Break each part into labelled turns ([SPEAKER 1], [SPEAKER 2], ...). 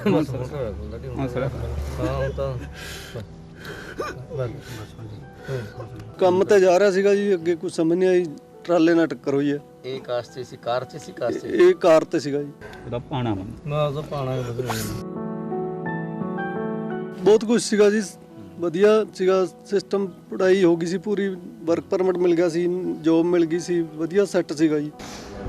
[SPEAKER 1] ਕੰਮ ਤੇ ਜਾ ਰਿਹਾ ਸੀਗਾ ਜੀ, ਅੱਗੇ ਕੁਝ ਸਮਝ ਨਹੀਂ ਆਈ, ਟਰਾਲੇ ਨਾਲ ਟੱਕਰ ਹੋਈ ਹੈ।
[SPEAKER 2] ਇਹ ਕਾਰ 'ਚ ਸੀ, ਕਾਰ 'ਚ ਸੀ, ਕਾਰ 'ਚ
[SPEAKER 1] ਇਹ ਕਾਰ ਤੇ ਸੀਗਾ ਜੀ।
[SPEAKER 3] ਉਹਦਾ ਪਾਣਾ
[SPEAKER 1] ਬਹੁਤ ਕੁਝ ਸੀਗਾ ਜੀ, ਵਧੀਆ ਸੀਗਾ ਸਿਸਟਮ, ਪੜ੍ਹਾਈ ਹੋ ਗਈ ਸੀ ਪੂਰੀ, ਵਰਕ ਪਰਮਿਟ ਮਿਲ ਗਿਆ ਸੀ, ਜੋਬ ਮਿਲ ਗਈ ਸੀ, ਵਧੀਆ ਸੈੱਟ ਸੀਗਾ ਜੀ।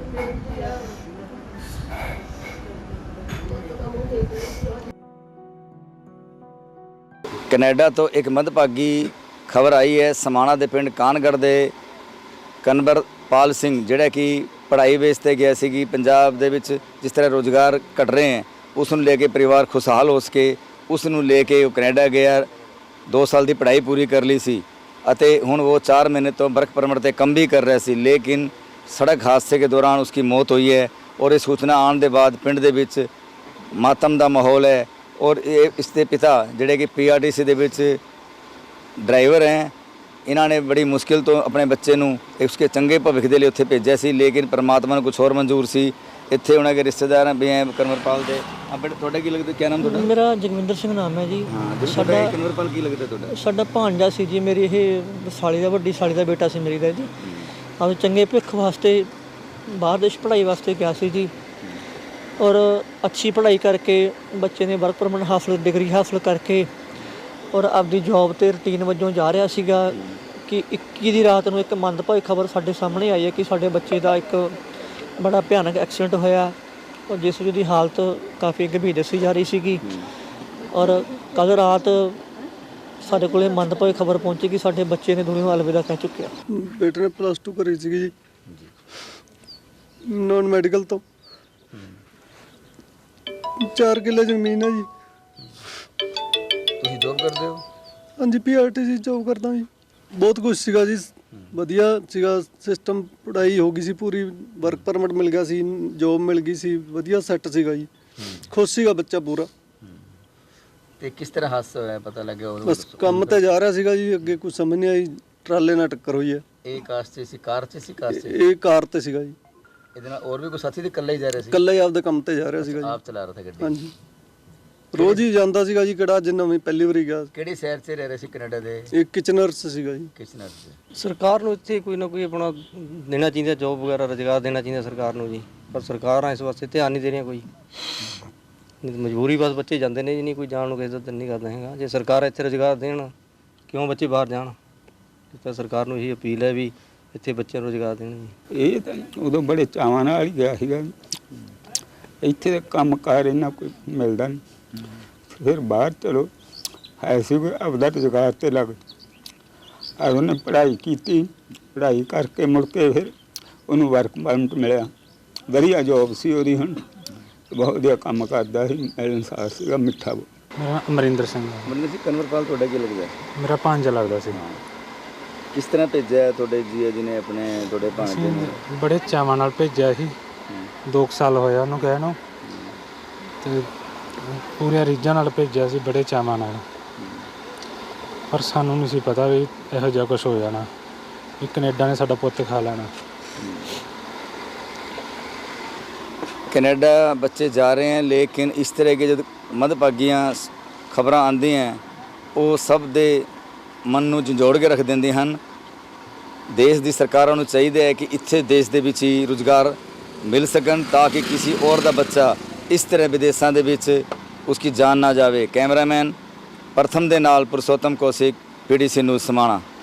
[SPEAKER 2] ਕੈਨੇਡਾ ਤੋਂ ਇੱਕ ਮੰਦਭਾਗੀ ਖਬਰ ਆਈ ਹੈ। ਸਮਾਣਾ ਦੇ ਪਿੰਡ ਕਾਨਗੜ੍ਹ ਦੇ ਕਨਵਰਪਾਲ ਸਿੰਘ, ਜਿਹੜਾ ਕਿ ਪੜ੍ਹਾਈ ਬੇਸ 'ਤੇ ਗਿਆ ਸੀ ਕਿ ਪੰਜਾਬ ਦੇ ਵਿੱਚ ਜਿਸ ਤਰ੍ਹਾਂ ਰੁਜ਼ਗਾਰ ਘਟ ਰਹੇ ਹੈ, ਉਸ ਨੂੰ ਲੈ ਕੇ ਪਰਿਵਾਰ ਖੁਸ਼ਹਾਲ ਹੋ ਸਕੇ, ਉਸ ਨੂੰ ਲੈ ਕੇ ਉਹ ਕੈਨੇਡਾ ਗਿਆ। 2 ਸਾਲ ਦੀ ਪੜ੍ਹਾਈ ਪੂਰੀ ਕਰ ਲਈ ਸੀ ਅਤੇ ਹੁਣ ਉਹ 4 ਮਹੀਨੇ ਤੋਂ ਵਰਕ ਪਰਮਿਟ 'ਤੇ ਕੰਮ ਵੀ ਕਰ ਰਿਹਾ ਸੀ, ਲੇਕਿਨ ਸੜਕ ਹਾਦਸੇ के दौरान उसकी मौत हुई है। और इस सूचना आने के बाद पिंड ਦੇ ਵਿੱਚ ਮਾਤਮ ਦਾ ਮਾਹੌਲ ਹੈ। और इसके पिता ਜਿਹੜੇ कि PRTC ਦੇ ਵਿੱਚ ਡਰਾਈਵਰ ਹੈ, ਇਹਨਾਂ ਨੇ ਬੜੀ ਮੁਸ਼ਕਿਲ ਤੋਂ ਆਪਣੇ ਬੱਚੇ ਨੂੰ ਉਸਕੇ ਚੰਗੇ ਭਵਿੱਖ ਦੇ ਲਈ ਉੱਥੇ ਭੇਜਿਆ ਸੀ, ਲੇਕਿਨ ਪਰਮਾਤਮਾ ਨੂੰ ਕੁਝ ਹੋਰ ਮਨਜ਼ੂਰ ਸੀ। ਇੱਥੇ ਉਹਨਾਂ ਦੇ ਰਿਸ਼ਤੇਦਾਰ ਵੀ ਹੈ ਕਨਵਰਪਾਲ ਦੇ। ਆਪਣੇ ਤੁਹਾਡਾ ਕੀ ਲੱਗਦਾ, ਕੀ ਨਾਮ ਤੁਹਾਡਾ?
[SPEAKER 4] ਮੇਰਾ ਜਗਵਿੰਦਰ ਸਿੰਘ ਨਾਮ ਹੈ ਜੀ।
[SPEAKER 2] ਸਾਡਾ ਕਨਵਰਪਾਲ ਕੀ ਲੱਗਦਾ ਤੁਹਾਡਾ?
[SPEAKER 4] ਸਾਡਾ ਭਾਂਜਾ ਸੀ ਜੀ, ਮੇਰੀ ਇਹ ਸਾਲੀ ਦਾ, ਵੱਡੀ ਸਾਲੀ ਦਾ ਬੇਟਾ ਸੀ ਮੇਰੀ ਦਾ ਜੀ। ਆਪ ਚੰਗੇ ਭਵਿੱਖ ਵਾਸਤੇ ਬਾਹਰ ਦੇਸ਼ ਪੜ੍ਹਾਈ ਵਾਸਤੇ ਗਿਆ ਸੀ ਜੀ। ਔਰ ਅੱਛੀ ਪੜ੍ਹਾਈ ਕਰਕੇ ਬੱਚੇ ਨੇ ਵਰਕ ਪਰਮਿਟ ਹਾਸਲ, ਡਿਗਰੀ ਹਾਸਲ ਕਰਕੇ ਔਰ ਆਪਦੀ ਜੋਬ 'ਤੇ ਰੂਟੀਨ ਵਜੋਂ ਜਾ ਰਿਹਾ ਸੀਗਾ ਕਿ 21 ਦੀ ਰਾਤ ਨੂੰ ਇੱਕ ਮੰਦਭਾਗੀ ਖਬਰ ਸਾਡੇ ਸਾਹਮਣੇ ਆਈ ਹੈ ਕਿ ਸਾਡੇ ਬੱਚੇ ਦਾ ਇੱਕ ਬੜਾ ਭਿਆਨਕ ਐਕਸੀਡੈਂਟ ਹੋਇਆ ਔਰ ਜਿਸ ਦੀ ਹਾਲਤ ਕਾਫੀ ਗੰਭੀਰ ਦੱਸੀ ਜਾ ਰਹੀ ਸੀਗੀ। ਔਰ ਕੱਲ੍ਹ ਰਾਤ ਸਾਡੇ ਕੋਲ ਮੰਦਭਾਗੀ ਖਬਰ ਪਹੁੰਚੀ ਕਿ ਸਾਡੇ ਬੱਚੇ ਨੇ ਦੁਨੀਆ ਨੂੰ ਅਲਵਿਦਾ ਕਹਿ ਚੁੱਕਿਆ।
[SPEAKER 1] ਬੇਟੇ ਨੇ +2 ਕਰੀ ਸੀਗੀ ਜੀ, ਨੌਨ ਮੈਡੀਕਲ ਤੋਂ। 4 ਕਿੱਲੇ ਜ਼ਮੀਨ ਹੈ ਜੀ।
[SPEAKER 2] ਤੁਸੀਂ ਜੋਬ ਕਰਦੇ ਹੋ?
[SPEAKER 1] ਹਾਂਜੀ, PRTC ਜੋਬ ਕਰਦਾ ਜੀ। ਬਹੁਤ ਕੁਝ ਸੀਗਾ ਜੀ, ਵਧੀਆ ਸੀਗਾ ਸਿਸਟਮ, ਪੜ੍ਹਾਈ ਹੋ ਗਈ ਸੀ ਪੂਰੀ, ਵਰਕ ਪਰਮਿਟ ਮਿਲ ਗਿਆ ਸੀ, ਜੋਬ ਮਿਲ ਗਈ ਸੀ, ਵਧੀਆ ਸੈੱਟ ਸੀਗਾ ਜੀ। ਖੁਸ਼ ਸੀਗਾ ਬੱਚਾ ਪੂਰਾ।
[SPEAKER 2] ਤੇ ਕਿਸ ਤਰ੍ਹਾਂ ਹਾਦਸਾ ਹੋਇਆ, ਪਤਾ ਲੱਗਿਆ?
[SPEAKER 1] ਬਸ ਕੰਮ ਤੇ ਜਾ ਰਿਹਾ ਸੀਗਾ ਜੀ, ਅੱਗੇ ਕੁਝ ਸਮਝ ਨਹੀਂ ਆਈ, ਟਰਾਲੇ ਨਾਲ ਟੱਕਰ ਹੋਈ ਹੈ।
[SPEAKER 2] ਇਹ ਕਾਰ 'ਚ ਸੀ, ਕਾਰ 'ਚ ਸੀ, ਕਾਰ 'ਚ?
[SPEAKER 1] ਇਹ ਕਾਰ ਤੇ ਸੀਗਾ ਜੀ।
[SPEAKER 2] ਇਹਦੇ ਨਾਲ ਹੋਰ ਵੀ ਕੋਈ ਸਾਥੀ ਤੇ ਇਕੱਲਾ ਹੀ ਜਾ ਰਿਹਾ ਸੀ?
[SPEAKER 1] ਇਕੱਲਾ ਹੀ ਆਪਦੇ ਕੰਮ ਤੇ ਜਾ ਰਿਹਾ ਸੀਗਾ ਜੀ।
[SPEAKER 2] ਆਪ ਚਲਾ ਰਿਹਾ ਸੀ ਗੱਡੀ?
[SPEAKER 1] ਹਾਂਜੀ, ਰੋਜ਼ ਹੀ ਜਾਂਦਾ ਸੀਗਾ ਜੀ। ਕਿਹੜਾ ਜਿੰਨਾ ਵੀ ਪਹਿਲੀ ਵਾਰੀ ਗਿਆ।
[SPEAKER 2] ਕਿਹੜੀ ਸ਼ਹਿਰ 'ਚ ਰਹਿ ਰਹੇ ਸੀ ਕੈਨੇਡਾ ਦੇ?
[SPEAKER 1] ਇਹ ਕਿਚਨਰਸ ਸੀਗਾ ਜੀ।
[SPEAKER 2] ਕਿਚਨਰ 'ਚ।
[SPEAKER 5] ਸਰਕਾਰ ਨੂੰ ਇੱਥੇ ਕੋਈ ਨਾ ਕੋਈ ਆਪਣਾ ਦੇਣਾ ਚਾਹੀਦਾ, ਜੋਬ ਵਗੈਰਾ ਰੁਜ਼ਗਾਰ ਦੇਣਾ ਚਾਹੀਦਾ ਸਰਕਾਰ ਨੂੰ ਜੀ, ਪਰ ਸਰਕਾਰਾਂ ਇਸ ਵਾਸਤੇ ਧਿਆਨ ਨਹੀਂ ਦੇ ਰਹੀਆਂ ਕੋਈ। ਮਜਬੂਰੀ ਬਸ ਬੱਚੇ ਜਾਂਦੇ ਨੇ ਜੀ, ਨਹੀਂ ਕੋਈ ਜਾਣ ਨੂੰ ਕਿਸੇ ਦਾ ਦਿਲ ਨਹੀਂ ਕਰਦਾ ਹੈਗਾ। ਜੇ ਸਰਕਾਰ ਇੱਥੇ ਰੁਜ਼ਗਾਰ ਦੇਣ, ਕਿਉਂ ਬੱਚੇ ਬਾਹਰ ਜਾਣ? ਤਾਂ ਸਰਕਾਰ ਨੂੰ ਇਹੀ ਅਪੀਲ ਹੈ ਵੀ ਇੱਥੇ ਬੱਚਿਆਂ ਨੂੰ ਰੁਜ਼ਗਾਰ ਦੇਣ ਜੀ।
[SPEAKER 3] ਇਹ ਤਾਂ ਉਦੋਂ ਬੜੇ ਚਾਵਾਂ ਨਾਲ ਹੀ ਗਿਆ ਸੀਗਾ, ਇੱਥੇ ਤਾਂ ਕੰਮ ਕਾਰ ਇਹਨਾਂ ਕੋਈ ਮਿਲਦਾ ਨਹੀਂ। ਫਿਰ ਬਾਹਰ ਚਲੋ ਹੈ ਸੀ ਕੋਈ ਆਪਦਾ ਰੁਜ਼ਗਾਰ ਤੇ ਲੱਗ ਆ। ਉਹਨੇ ਪੜ੍ਹਾਈ ਕੀਤੀ, ਪੜ੍ਹਾਈ ਕਰਕੇ ਮੁੜ ਕੇ ਫਿਰ ਉਹਨੂੰ ਵਰਕ ਪਰਮਿਟ ਮਿਲਿਆ, ਵਧੀਆ ਜੋਬ ਸੀ ਉਹਦੀ, ਹੁਣ ਬਹੁਤ ਵਧੀਆ ਕੰਮ ਕਰਦਾ ਸੀ, ਮਿਲਣਸਾਰ ਸੀਗਾ, ਮਿੱਠਾ।
[SPEAKER 6] ਮੇਰਾ ਅਮਰਿੰਦਰ ਸਿੰਘ।
[SPEAKER 2] ਮਤਲਬ ਸੀ ਕਨਵਰਪਾਲ ਤੁਹਾਡਾ ਕੀ ਲੱਗਦਾ?
[SPEAKER 6] ਮੇਰਾ ਭਾਂਜਾ ਲੱਗਦਾ ਸੀ।
[SPEAKER 2] ਕਿਸ ਤਰ੍ਹਾਂ ਭੇਜਿਆ ਤੁਹਾਡੇ ਜੀਆ ਜੀ ਨੇ ਆਪਣੇ ਤੁਹਾਡੇ ਭਾਂਜੇ ਨੂੰ?
[SPEAKER 6] ਬੜੇ ਚਾਵਾਂ ਨਾਲ ਭੇਜਿਆ ਸੀ, 2 ਸਾਲ ਹੋਇਆ ਉਹਨੂੰ ਗਏ ਨੂੰ, ਤੇ ਪੂਰੀਆਂ ਰੀਝਾਂ ਨਾਲ ਭੇਜਿਆ ਸੀ, ਬੜੇ ਚਾਵਾਂ ਨਾਲ। ਪਰ ਸਾਨੂੰ ਨਹੀਂ ਸੀ ਪਤਾ ਵੀ ਇਹੋ ਜਿਹਾ ਕੁਛ ਹੋ ਜਾਣਾ, ਵੀ ਕੈਨੇਡਾ ਨੇ ਸਾਡਾ ਪੁੱਤ ਖਾ ਲੈਣਾ।
[SPEAKER 2] कनाडा बच्चे जा रहे हैं, लेकिन इस तरह के जो मंदभागियां खबर आती हैं वो सब दे मन नूं झंझोड़ के रख देंदी हैं। देश की सरकारों नूं चाहिए है कि इत्थे देश दे विच ही रोज़गार मिल सकन, ताकि किसी और दा बच्चा इस तरह विदेशों दे विच उसकी जान ना जाए। कैमरामैन प्रथम दे नाल पुरुषोत्तम कौशिक, PTC न्यूज़ समाणा।